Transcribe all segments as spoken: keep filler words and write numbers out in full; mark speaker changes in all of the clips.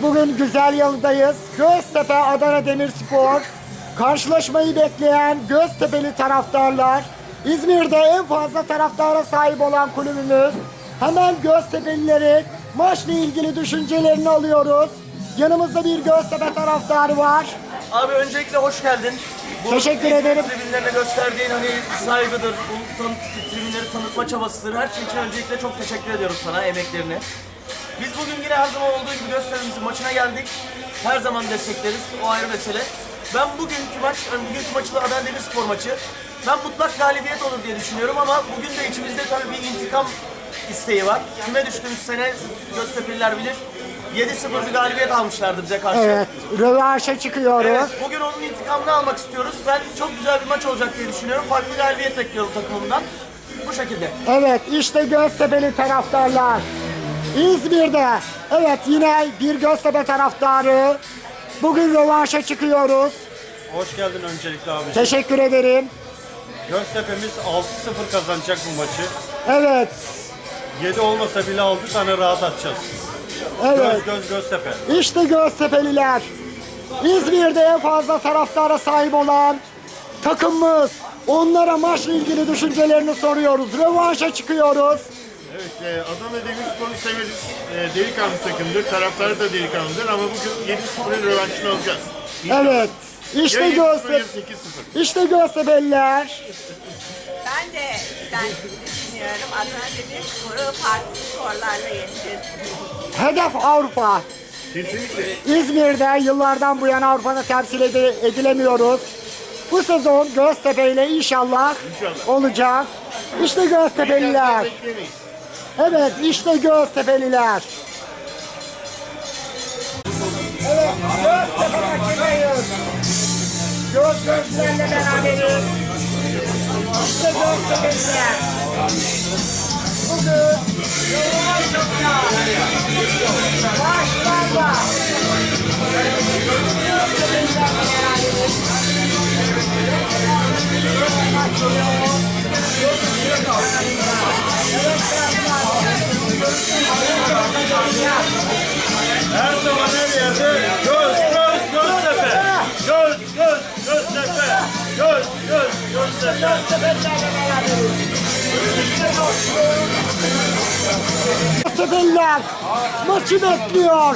Speaker 1: bugün güzel yalıdayız. Göztepe Adana Demirspor. Karşılaşmayı bekleyen Göztepe'li taraftarlar. İzmir'de en fazla taraftara sahip olan kulübümüz. Hemen Göztepe'lilerin maçla ilgili düşüncelerini alıyoruz. Yanımızda bir Göztepe taraftarı var.
Speaker 2: Abi öncelikle hoş geldin. Bu
Speaker 1: Teşekkür
Speaker 2: İzmir
Speaker 1: ederim.
Speaker 2: tribünlerine gösterdiğin hani saygıdır, bu tan tribünleri tanıtma çabasıdır. Her şey için öncelikle çok teşekkür ediyorum sana, emeklerine. Biz bugün yine her zaman olduğu gibi Göztepe'mizin maçına geldik. Her zaman destekleriz, o ayrı mesele. Ben bugünkü maç, yani bugünkü maçı da Adana Demirspor maçı. Ben mutlak galibiyet olur diye düşünüyorum ama bugün de içimizde tabii bir intikam isteği var. Küme düştüğümüz sene Göztepe'liler bilir. yedi sıfır bir galibiyet almışlardı bize karşı.
Speaker 1: Evet, rövanşa çıkıyoruz.
Speaker 2: Evet, bugün onun intikamını almak istiyoruz. Ben çok güzel bir maç olacak diye düşünüyorum. Farklı galibiyet bekliyorum takımımdan. Bu şekilde.
Speaker 1: Evet, işte Göztepe'li taraftarlar. İzmir'de, evet yine bir Göztepe taraftarı. Bugün rövanşa çıkıyoruz.
Speaker 3: Hoş geldin öncelikle abi.
Speaker 1: Teşekkür ederim.
Speaker 3: Göztepe'miz altı sıfır kazanacak bu maçı.
Speaker 1: Evet,
Speaker 3: yedi olmasa bile altı tane rahat atacağız.
Speaker 1: evet.
Speaker 3: Göz göz Göztepe.
Speaker 1: İşte Göztepe'liler. İzmir'de en fazla taraftara sahip olan takımımız. Onlara maçla ilgili düşüncelerini soruyoruz. Rövanşa çıkıyoruz.
Speaker 4: Evet, e, Adana Demirspor'u severiz. E, delikanlı takımdır, taraftarı da delikanlıdır ama bugün yedi sıfırın rövanşını alacağız.
Speaker 1: Evet. İşte
Speaker 4: Ya yedi sıfır
Speaker 1: Göztepe.
Speaker 4: ya sekiz sıfır.
Speaker 1: İşte Göztepe'liler.
Speaker 5: Ben de ben düşünüyorum Adana Demirspor'u farklı skorlarla yeneceğiz.
Speaker 1: Hedef Avrupa.
Speaker 4: Kesinlikle.
Speaker 1: İzmir'de yıllardan bu yana Avrupa'da temsil ed- edilemiyoruz. Bu sezon Göztepe ile inşallah,
Speaker 4: İnşallah.
Speaker 1: olacak. İşte Göztepe'liler.
Speaker 4: Bekleyemeyiz.
Speaker 1: Evet, işte Göztepe'liler. Evet, Göztepe maçındayız. Göz gözlerle beraberiz. İşte Göztepe'liler. Bugün Yollaşım'da başlarla Göztepe'lilerle beraberiz.
Speaker 3: Her zaman her yerde göz göz Göztepe. Göz göz Göztepe. Göz göz Göztepe.
Speaker 1: Göztepe'lilerle beraberiz. Göztepe'liler maçı bekliyor.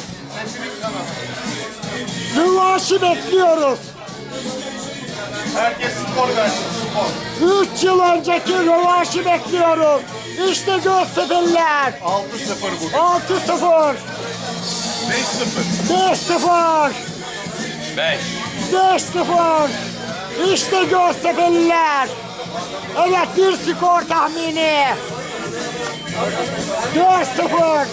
Speaker 1: Rövanşı bekliyoruz.
Speaker 4: Herkes skor versin, skor.
Speaker 1: Üç yıl önceki rövanşı bekliyoruz. İşte Göztepe'liler.
Speaker 4: altı sıfır bugün.
Speaker 1: altı sıfır.
Speaker 4: beş sıfır.
Speaker 1: beş sıfır.
Speaker 4: beş.
Speaker 1: beş sıfır. İşte Göztepe'liler. Evet, bir skor tahmini. dört sıfır.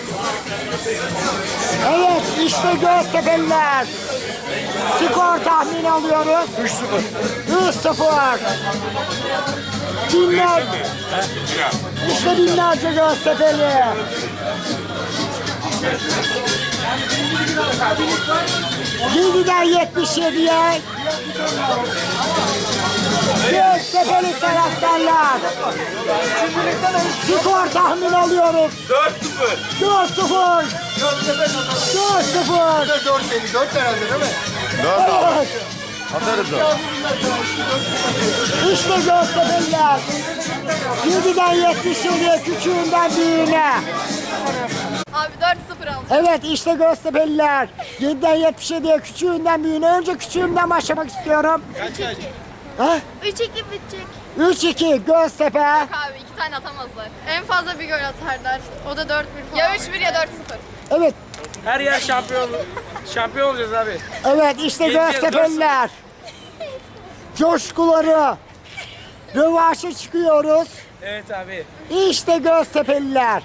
Speaker 1: Evet, işte Göztepe'liler. Skor tahmini alıyoruz. üç sıfır. üç sıfır. Binler, işte binlerce Göztepe'li. yediden yetmiş yediye Göztepe'li taraftarlar. Skor tahmin alıyoruz.
Speaker 4: dört sıfır.
Speaker 1: dört sıfır. dört sıfır.
Speaker 4: dört elli dört herhalde değil mi?
Speaker 1: Evet.
Speaker 4: Atarız o.
Speaker 1: İşte Göztepe'liler. yediden yetmiş yediye küçüğünden büyüğüne.
Speaker 6: Abi dört sıfır alacağım.
Speaker 1: Evet, işte Göztepe'liler. yediden yetmiş yediye küçüğünden büyüğüne. Önce küçüğümden başlamak istiyorum. Ha?
Speaker 6: üç iki bitecek.
Speaker 1: üç iki Göztepe.
Speaker 6: Abi iki tane atamazlar. En fazla bir gol atarlar. O da dört bir falan. Ya üç bir ya dört sıfır.
Speaker 1: Evet,
Speaker 7: Her yer şampiyon şampiyon olacağız abi.
Speaker 1: evet işte
Speaker 7: Yedi-
Speaker 1: Göztepe'liler. Coşkuları. Rövanşa çıkıyoruz.
Speaker 7: Evet abi.
Speaker 1: İşte Göztepe'liler.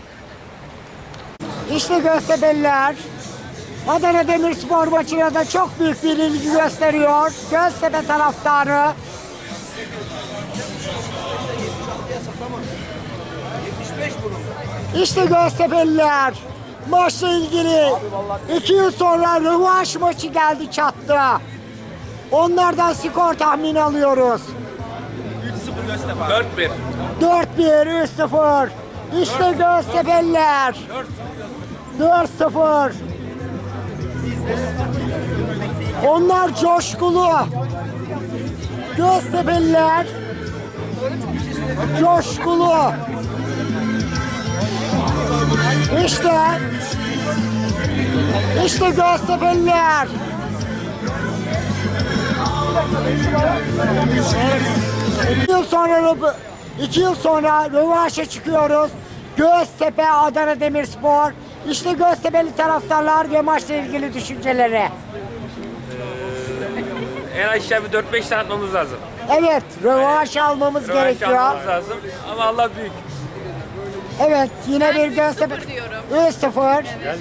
Speaker 1: İşte Göztepe'liler. Adana Demirspor maçına da çok büyük bir ilgi gösteriyor. Göztepe taraftarı. İşte Göztepe'liler. Maçla ilgili iki yıl sonra rövanş maçı geldi çattı. Onlardan skor tahmini alıyoruz.
Speaker 7: dört bir.
Speaker 1: dört bir, üç sıfır. İşte Göztepe'liler. dört sıfır. Onlar coşkulu. Göztepe'liler coşkulu. İşte işte Göztepe'liler. İki yıl sonra iki yıl sonra rövanşa çıkıyoruz. Göztepe Adana Demirspor. İşte Göztepe'li taraftarlar ve maçla ilgili düşünceleri.
Speaker 7: En aşağı bir dört beş tane atmamız lazım.
Speaker 1: Evet, rövanş almamız
Speaker 7: Rövanş
Speaker 1: gerekiyor.
Speaker 7: almamız lazım. Ama Allah büyük.
Speaker 1: Evet, yine bir
Speaker 6: üç
Speaker 1: Göztepe.
Speaker 6: sıfır diyorum.
Speaker 1: üç sıfır.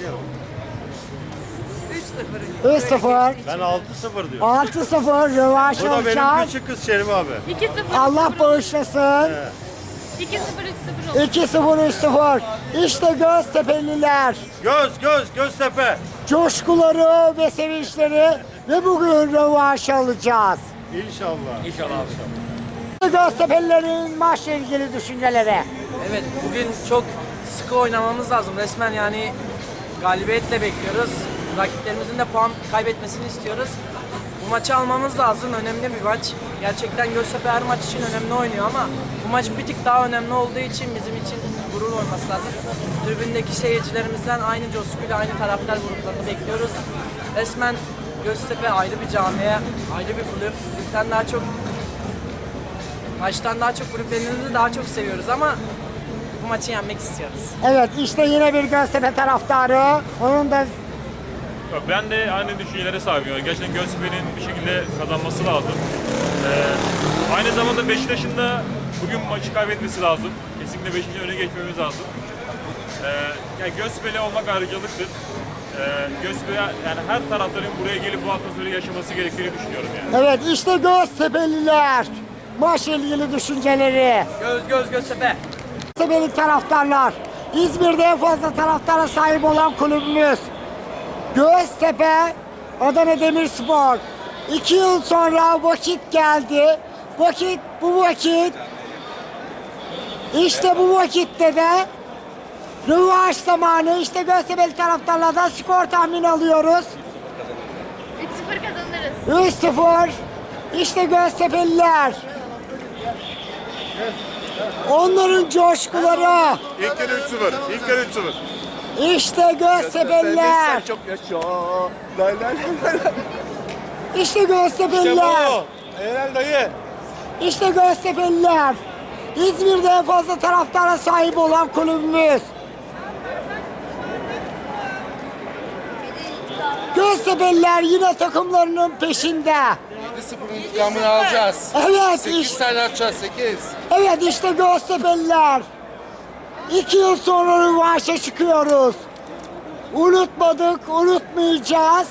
Speaker 1: üç sıfır.
Speaker 4: Ben altı sıfır diyorum.
Speaker 1: altı sıfır rövanş
Speaker 4: Bu da benim
Speaker 1: alacağız.
Speaker 4: küçük kız Şerif abi.
Speaker 6: iki sıfır.
Speaker 1: Allah bağışlasın.
Speaker 6: iki sıfır üç sıfır olur.
Speaker 1: iki sıfır üç sıfır. İşte Göztepe'liler.
Speaker 4: Göz göz Göztepe.
Speaker 1: Coşkuları ve sevinçleri ve bugün rövanş alacağız.
Speaker 4: İnşallah.
Speaker 7: İnşallah abi.
Speaker 1: Göztepe'lilerin maçla ilgili düşünceleri.
Speaker 7: Evet, bugün çok sıkı oynamamız lazım. Resmen yani galibiyetle bekliyoruz. Rakiplerimizin de puan kaybetmesini istiyoruz. Bu maçı almamız lazım. Önemli bir maç. Gerçekten Göztepe her maç için önemli oynuyor ama bu maç bir tık daha önemli olduğu için bizim için gurur olması lazım. Tribündeki seyircilerimizden aynı coşkuyla aynı taraftar gruplarını bekliyoruz. Resmen Göztepe ayrı bir camiye, ayrı bir kulüp. Kulüpten daha çok Maçtan daha çok kulüplerimizi daha çok seviyoruz ama bu maçı yenmek istiyoruz.
Speaker 1: Evet, işte yine bir Göztepe taraftarı. Onun da
Speaker 3: Yok, ben de aynı düşüncelere sahibim. Yani gerçekten Göztepe'nin bir şekilde kazanması lazım. Ee, aynı zamanda Beşiktaş'ın da bugün maçı kaybetmesi lazım. Kesinlikle Beşiktaş'ın öne geçmemiz lazım. Ee, yani Göztepe'li olmak ayrıcalıktır. Ee, Göztepe yani her taraftarın buraya gelip bu atmosferi yaşaması gerektiğini düşünüyorum yani.
Speaker 1: evet işte Göztepe'liler. Maçla ilgili düşünceleri.
Speaker 7: Göz göz Göztepe.
Speaker 1: Göztepe'li taraftarlar. İzmir'de en fazla taraftara sahip olan kulübümüz. Göztepe Adana Demirspor. İki yıl sonra vakit geldi. Vakit bu vakit. İşte bu vakitte de rövanş zamanı. İşte Göztepe'li taraftarlardan skor tahmini alıyoruz.
Speaker 6: üç sıfır kazanırız.
Speaker 1: üç sıfır. İşte Göztepe'liler. Onların coşkuları.
Speaker 4: İlk kere üç sıfır. İlk kere üç sıfır.
Speaker 1: İşte Göztepe'liler.
Speaker 4: Çok yaşa. Lay lay lay lay.
Speaker 1: İşte Göztepe'liler.
Speaker 4: Helal dayı.
Speaker 1: İşte Göztepe'liler. İzmir'de en fazla taraftara sahip olan kulübümüz. Göztepe'liler yine takımlarının peşinde.
Speaker 8: yedi sıfır intikamını alacağız.
Speaker 1: Evet,
Speaker 8: sekiz
Speaker 1: işte,
Speaker 8: tane atacağız, sekiz.
Speaker 1: evet işte Göztepe'liler. İki yıl sonra rövanşa çıkıyoruz. Unutmadık, unutmayacağız.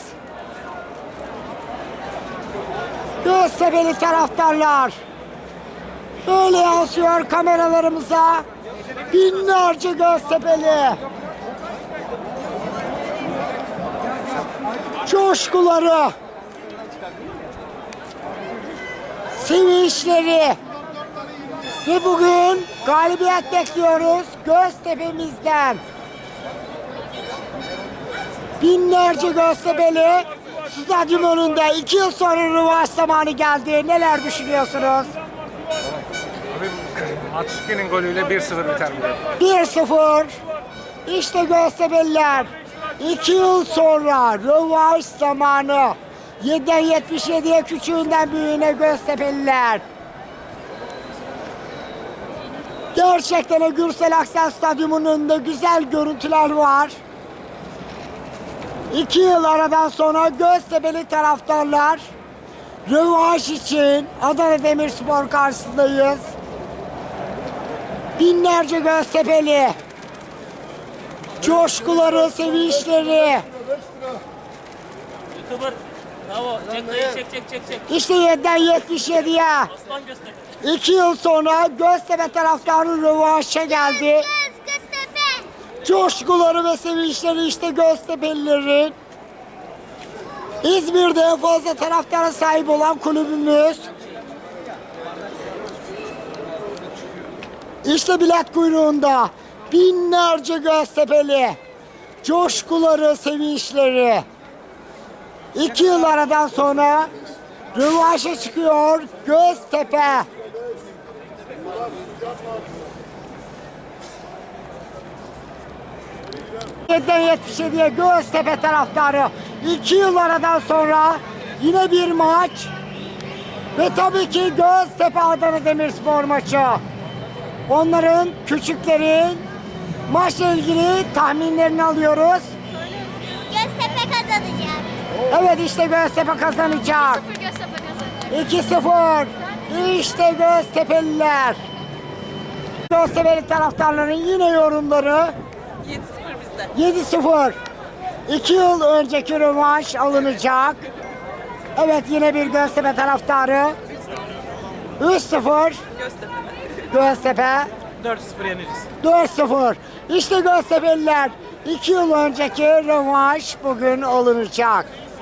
Speaker 1: Göztepe'li taraftarlar. Böyle yansıyor kameralarımıza. Binlerce Göztepe'li. Coşkuları. Sevinçleri. Ve bugün galibiyet bekliyoruz Göztepe'mizden. Binlerce Göztepe'li stadyum önünde. İki yıl sonra rövanş zamanı geldi. Neler düşünüyorsunuz?
Speaker 7: Atsuki'nin golüyle bir sıfır biter bu.
Speaker 1: bir sıfır. İşte Göztepe'liler. İki yıl sonra rövanş zamanı. yediden yetmiş yediye küçüğünden büyüğüne Göztepe'liler. Gerçekten de Gürsel Aksel Stadyumu'nun önünde güzel görüntüler var. İki yıl aradan sonra Göztepe'li taraftarlar rövanş için Adana Demirspor karşısındayız. Binlerce Göztepe'li. Coşkuları, sevinçleri.
Speaker 7: Bravo. Çek dayı, çek çek çek çek.
Speaker 1: İşte yediden yetmiş yediye.
Speaker 7: Aslan Göztepe.
Speaker 1: İki yıl sonra Göztepe taraftarı rövanşa geldi. Coşkuları ve sevinçleri işte Göztepe'lilerin. İzmir'de en fazla taraftara sahip olan kulübümüz. İşte bilet kuyruğunda binlerce Göztepe'li. Coşkuları, sevinçleri. İki yıl aradan sonra rövanşa çıkıyor Göztepe. yediden yetmiş yediye Göztepe taraftarı. İki yıl aradan sonra yine bir maç. Ve tabii ki Göztepe Adana Demirspor maçı. Onların, küçüklerin maçla ilgili tahminlerini alıyoruz.
Speaker 9: Göztepe kazanacak.
Speaker 1: Evet, işte Göztepe kazanacak.
Speaker 6: Sıfır Göztepe kazanacak.
Speaker 1: iki sıfır. İşte Göztepe'liler. Göztepe'li taraftarların yine yorumları.
Speaker 5: yedi sıfır bizde.
Speaker 1: yedi sıfır. iki yıl önceki rövanş alınacak. Evet, yine bir Göztepe taraftarı. üç sıfır.
Speaker 5: Göztepe.
Speaker 1: Göztepe.
Speaker 7: dört sıfır yeneriz.
Speaker 1: dört sıfır. İşte Göztepe'liler. iki yıl önceki rövanş bugün alınacak.